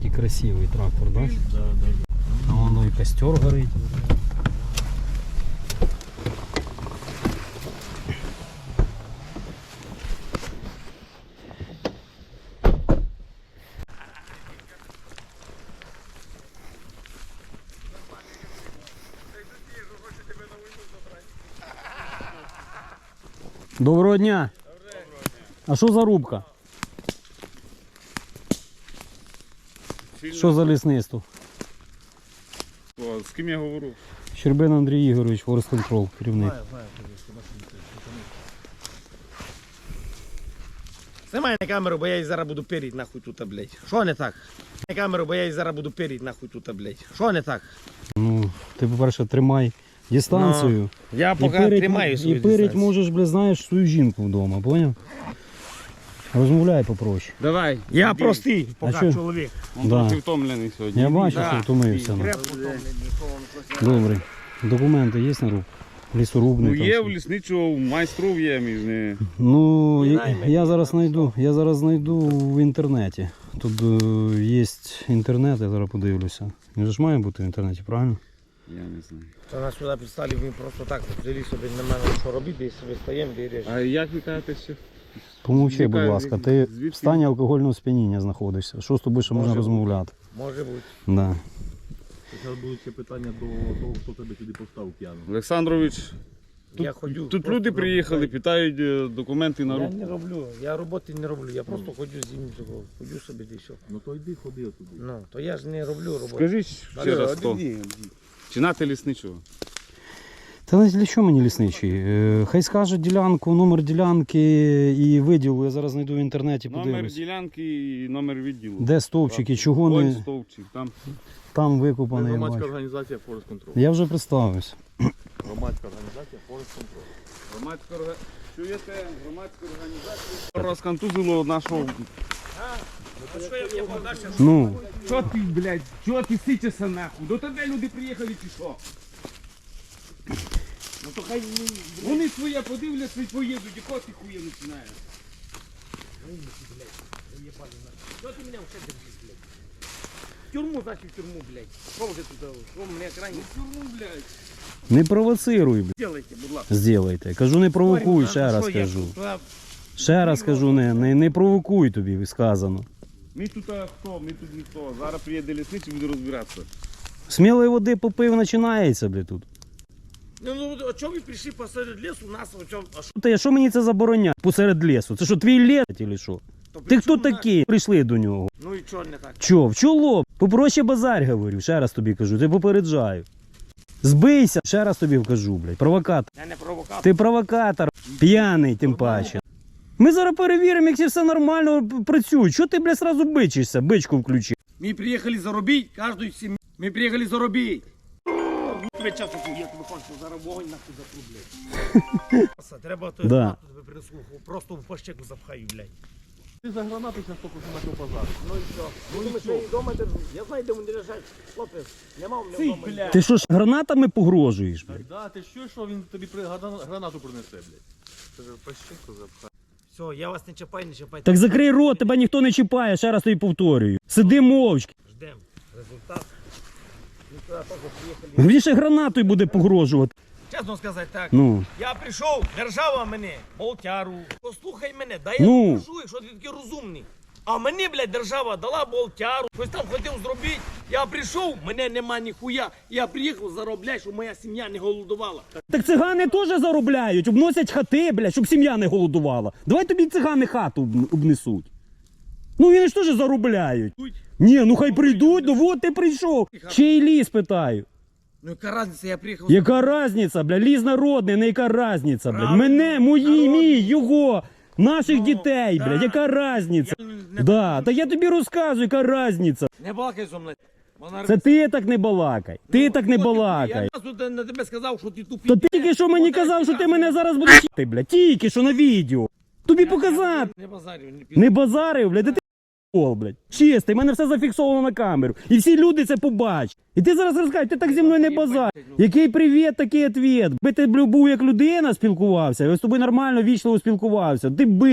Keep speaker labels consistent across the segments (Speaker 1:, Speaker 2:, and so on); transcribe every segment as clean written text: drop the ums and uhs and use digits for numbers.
Speaker 1: Який красивий трактор, да?
Speaker 2: Да.
Speaker 1: А воно і костер горить. Доброго дня! А що за рубка? Що за лісництво?
Speaker 2: З ким я говорю?
Speaker 1: Щербин Андрій Ігорович, Forest Control, керівник.
Speaker 3: Знімай на камеру, бо я її зараз буду періть нахуй тут, блядь. Що не так? На камеру, бо я її зараз буду періть нахуй тут, блядь. Що не так?
Speaker 1: Ну, ти, по-перше, тримай дистанцію.
Speaker 3: Я поки тримаю свою
Speaker 1: і переть
Speaker 3: дистанцію.
Speaker 1: можеш, блядь, знаєш, свою жінку вдома, поняв? Розмовляй попроще.
Speaker 2: Давай.
Speaker 3: Я простий,
Speaker 1: А
Speaker 3: поки
Speaker 1: що?
Speaker 3: чоловік.
Speaker 2: Он
Speaker 1: Да.
Speaker 2: трохи втомлений сьогодні.
Speaker 1: Я бачу,
Speaker 3: Да.
Speaker 1: що втомився. Ну.
Speaker 3: Крепко втомлений,
Speaker 1: Добре. Документи є на руку? Лісорубний
Speaker 2: Ну
Speaker 1: там.
Speaker 2: є
Speaker 1: все?
Speaker 2: в лісничого, майстров є між не.
Speaker 1: Ну,
Speaker 3: Наймені,
Speaker 1: я зараз знайду в інтернеті. Тут є інтернет, я зараз подивлюся. Він ж має бути в інтернеті, правильно?
Speaker 2: Я не знаю.
Speaker 3: Та нас сюди підстали, він просто так, взяли собі на мене, що робити, і собі стаємо, де йдеш.
Speaker 2: А як ви кажете ще?
Speaker 1: Помовчи, будь
Speaker 2: Яка-
Speaker 1: ласка, ти
Speaker 2: звідки?
Speaker 1: в стані алкогольного сп'яніння знаходишся. Що з тобою ще можна
Speaker 3: Може
Speaker 1: розмовляти?
Speaker 3: Може бути.
Speaker 1: Да.
Speaker 4: Зараз будуть ще питання до того, хто тебе сюди поставив п'яну.
Speaker 2: Олександрович,
Speaker 3: Я ходю.
Speaker 2: тут
Speaker 3: просто
Speaker 2: люди приїхали,
Speaker 3: роблю.
Speaker 2: питають документи на
Speaker 3: Я
Speaker 2: руку.
Speaker 3: не роблю, я роботи не роблю, я просто ходжу з ним, ходжу собі де що.
Speaker 4: Ну то йди, ходи отуди.
Speaker 3: Ну, то я ж не роблю роботу.
Speaker 2: Скажіть ще раз, хто? Чи нати лісничого?
Speaker 1: Та не для чого мені лісничий? Хай скаже ділянку, номер ділянки і виділу. Я зараз знайду в інтернеті,
Speaker 2: Номер
Speaker 1: подивлюсь.
Speaker 2: ділянки і номер відділу.
Speaker 1: Де стовпчики, чого
Speaker 2: Ось
Speaker 1: не
Speaker 2: стовпчик, там.
Speaker 1: там
Speaker 4: Ми
Speaker 1: викопаний. я
Speaker 4: громадська
Speaker 1: бачу.
Speaker 4: організація Forest Control.
Speaker 1: Я вже представився.
Speaker 4: Громадська організація Forest Control.
Speaker 2: Чуєте, громадська організація розконтузило нашого.
Speaker 3: А що я мені подальше?
Speaker 1: Ну,
Speaker 2: Що ти, блядь, чого ти сичешся нахуй? До тебе люди приїхали чи що?
Speaker 3: Ну то хай
Speaker 2: Вони своє подивляться і поїдуть, і кого ти хує починаєш?
Speaker 3: Що ти мене вже держиш, блядь? В тюрму, значить в тюрму, блядь. Що вже тут? Що мене крайні?
Speaker 2: Тюрму, блядь.
Speaker 1: не провоцируй, блядь.
Speaker 3: Делайте, будь ласка.
Speaker 1: Зділайте. Кажу, не провокуй,
Speaker 3: А
Speaker 1: ще раз
Speaker 3: що я
Speaker 1: кажу.
Speaker 3: тут?
Speaker 1: Ще раз кажу, не провокуй тобі, сказано.
Speaker 2: Ми тут хто, ми тут ніхто. Зараз приїде лісничий і буде розбиратися.
Speaker 1: Смілої води попив, починається, блядь, тут.
Speaker 3: Ну, а чого ви прийшли посеред лісу, нас, а що?
Speaker 1: Та що мені це забороняє посеред лісу? Це що, твій ліс, чи що?
Speaker 3: То
Speaker 1: Ти
Speaker 3: при
Speaker 1: хто
Speaker 3: чому нас?
Speaker 1: такий? Прийшли до нього.
Speaker 3: Ну і чого не так?
Speaker 1: Чо, в чоло? Попроще базарь, говорю, ще раз тобі кажу, ти попереджаю. Збийся, ще раз тобі кажу, блядь, провокатор.
Speaker 3: Я не провокатор.
Speaker 1: Ти провокатор, п'яний тим паче. Ми зараз перевіримо, як все нормально працює. Чого ти, блядь, сразу бичишся? Бичку включи.
Speaker 3: Мы приехали заробить, каждую семью. Мы приехали заробить. Тебе часу, я тебе хочу зараз вогонь нахуй затру, блядь. Треба то
Speaker 1: Да.
Speaker 3: тебе принесу, просто в пащеку запхаю, блядь.
Speaker 4: Ти за гранату зараз тільки що почав базар.
Speaker 3: Ну і що? Ну і що? Дома держу. Я знаю, де вони лежать. Хлопець, нема у мене вдома.
Speaker 2: блядь.
Speaker 1: Ти що ж гранатами погрожуєш, блядь?
Speaker 4: Да, ти що він тобі гранату принесе, блядь? Це ж пащинку запхає.
Speaker 3: Все, я вас не чіпаю, не чіпайте.
Speaker 1: Так закрий рот, тебе ніхто не чіпає, ще раз тобі повторюю. Сиди мовчки.
Speaker 3: Ждем результат. Ми туди теж приїхали.
Speaker 1: Він ще гранатою буде погрожувати.
Speaker 3: Чесно сказати так.
Speaker 1: Ну,
Speaker 3: Я прийшов, держава мене, болтяру. Послухай мене, дай я
Speaker 1: Ну.
Speaker 3: покажу, якщо ти такий розумний. А мені, блядь, держава дала болтяру, щось там хотів зробити. Я прийшов, мене нема ніхуя. Я приїхав заробляти, щоб моя сім'я не голодувала.
Speaker 1: так цигани теж заробляють, обносять хати, блядь, щоб сім'я не голодувала. Давай тобі цигани хату обнесуть. Ну вони ж теж заробляють. Ні, ну хай прийдуть, ну от ти прийшов. Чий ліс, питаю.
Speaker 3: Ну яка різниця, я приїхав.
Speaker 1: Яка різниця, бля, ліс народний, не яка різниця, бля.
Speaker 3: Правильно,
Speaker 1: Мене, мої,
Speaker 3: народний.
Speaker 1: мій, його, наших
Speaker 3: Ну,
Speaker 1: дітей,
Speaker 3: да.
Speaker 1: блядь, яка різниця?
Speaker 3: Я не-
Speaker 1: Да, та я тобі розказую, яка різниця.
Speaker 3: Не балакай зо мною. Вона
Speaker 1: Це ти так не балакай, ти так не
Speaker 3: от
Speaker 1: балакай.
Speaker 3: Я тут на тебе сказав, що ти тупий.
Speaker 1: То тільки що мені казав, що ти мене зараз будеш їти, блядь, тільки що на відео. Тобі показати.
Speaker 3: Не базарю,
Speaker 1: Не базарив, блядь, ти пол, блядь. Чистий, в мене все зафіксовано на камеру. І всі люди це побачать. І ти зараз розкажеш, ти так зі мною не базар. Який привіт, такий відповідь. Би ти був як людина спілкувався, я з тобою нормально, вічливо спілкувався. Ти бик.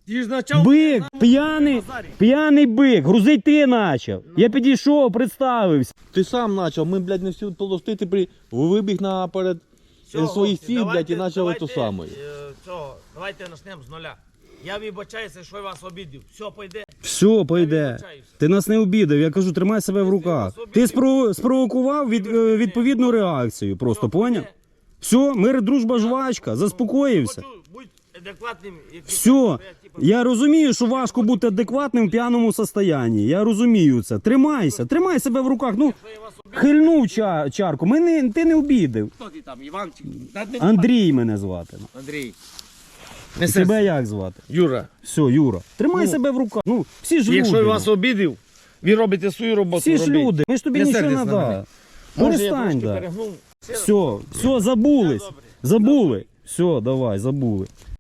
Speaker 3: Ти ж почав...
Speaker 1: Бик,
Speaker 3: на
Speaker 1: п'яний,
Speaker 3: базарі.
Speaker 1: п'яний бик, грузить ти почав. Я підійшов, представився.
Speaker 4: Ти сам почав, ми, блядь, не всі толсти, ти вибіг наперед
Speaker 3: Всього,
Speaker 4: своїх
Speaker 3: хлопці,
Speaker 4: ціль, блядь, і
Speaker 3: давайте,
Speaker 4: почав ту саму.
Speaker 3: Давайте почнемо з нуля. Я вибачаюся, що я вас обідів. Все, пойде.
Speaker 1: Все, пойде.
Speaker 3: вибачаюся.
Speaker 1: Ти нас не обідав, я кажу, тримай себе в руках. Ти спровокував відповідну реакцію, просто поняв? Все, мир, дружба, жвачка, заспокоївся.
Speaker 3: Хочу бути адекватним.
Speaker 1: Все, я розумію, що важко бути адекватним в п'яному стані. Я розумію це. Тримайся, тримай себе в руках. Ну, хильнув чарку. Ти не обідав.
Speaker 3: Хто ти там, Іванчик? Та не-
Speaker 1: Андрій мене звати.
Speaker 3: Андрій.
Speaker 1: Тебе як звати?
Speaker 3: Юра.
Speaker 1: Все, Юра. Тримай себе в руках. Ну, всі ж
Speaker 3: Якщо
Speaker 1: люди.
Speaker 3: я вас обідив, ви робите свою роботу.
Speaker 1: Всі ж
Speaker 3: робіть.
Speaker 1: люди. Ми ж тобі
Speaker 3: Не
Speaker 1: нічого не
Speaker 3: сердись на мене.
Speaker 1: дали.
Speaker 3: Може, я
Speaker 1: Перестань,
Speaker 3: трошки
Speaker 1: да.
Speaker 3: перегнув.
Speaker 1: Все, забулись. Забули. Все, давай, забули.